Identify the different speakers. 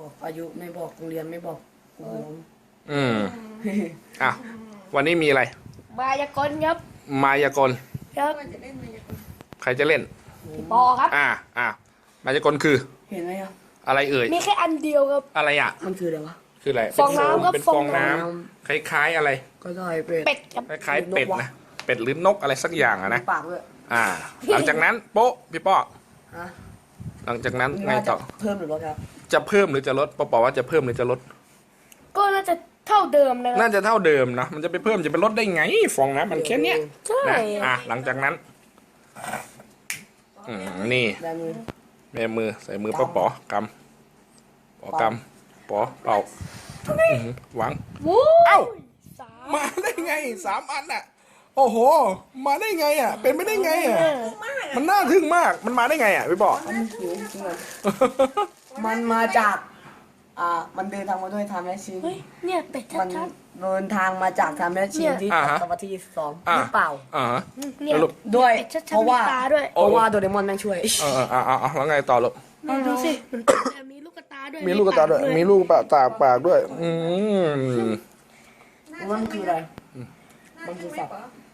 Speaker 1: บอกอายุไม่บอกโรงเรียนไม่บอกกลุ่ม
Speaker 2: อ่ะวันนี้มีอะไร
Speaker 3: มายากลครับ
Speaker 2: มายากล
Speaker 3: ครับ
Speaker 2: ใครจะเล่น
Speaker 3: ปอครับ
Speaker 2: มายากลคือ
Speaker 1: เห็นไหมครับ
Speaker 2: อะไรเอ่ย
Speaker 3: มีแค่อันเดียวครับ
Speaker 2: อะไรอ่ะ
Speaker 1: มันคืออะไรวะ
Speaker 2: คืออะไร
Speaker 3: ฟองน้ำครับ
Speaker 2: เป็นฟองน้ำคล้ายๆอะไร
Speaker 1: ก็ได้เป็ด
Speaker 3: เป็ดครับ
Speaker 2: คล้ายๆเป็ดนะเป็ดหรือนกอะไรสักอย่างอะนะ
Speaker 1: ปากด้วย
Speaker 2: หลังจากนั้นโป๊ะพี่ป้อ
Speaker 1: ฮะ
Speaker 2: หลังจากนั้นไง
Speaker 1: ว่าจะ
Speaker 2: ต่อ
Speaker 1: เพิ่มหรือลดครับ
Speaker 2: จะเพิ่มหรือจะลดป้อว่าจะเพิ่มหรือจะลด
Speaker 3: ก็น่าจะเท่าเดิมนะครับ
Speaker 2: น่าจะเท่าเดิมนะมันจะไปเพิ่มจะไปลดได้ไงฟองน้ำมันแค่เนี้ย
Speaker 3: ใช่
Speaker 2: นะหลังจากนั้นนี่
Speaker 1: ได้มือ
Speaker 2: แม่มือใส่มือป้อป๋อกำป๋อกำป๋อเป่าหวัง
Speaker 3: วู้
Speaker 2: เอ้า
Speaker 3: สาม
Speaker 2: มาได้ไง3 อันอ่ะ โอ้โห มาได้ไงอ่ะ เป็นไปได้ไงอ่ะ มันน่าทึ่งมากมันมาได้ไงอ่ะพี่ป๋อ
Speaker 1: มันหิวจริงเลยมันมาจาก มันเดินทางมาด้วยทำแมชชีน
Speaker 3: เฮ้ยเนี่ยเป็ด
Speaker 1: มัน
Speaker 3: ชัด
Speaker 1: เดินทางมาจากทำแมชชีนที่ตะวันที่2หรือเปล่า
Speaker 3: ๆเนี่ย
Speaker 2: แล้วลูก
Speaker 1: ด้วย
Speaker 3: เป็ดชัด
Speaker 1: เพราะ
Speaker 3: ๆมี
Speaker 1: ว่า
Speaker 3: ตาด้วย
Speaker 1: เพราะว่าโดเรมอนแม่งช่วย
Speaker 2: แล้วไงต่อลูก
Speaker 3: เนี่ยดูสิมันแต่มีลูกตาด้วย
Speaker 2: มีลูกตาด้วย มีลูกปากด้วย
Speaker 1: มันคืออะไรมันคือสัตว์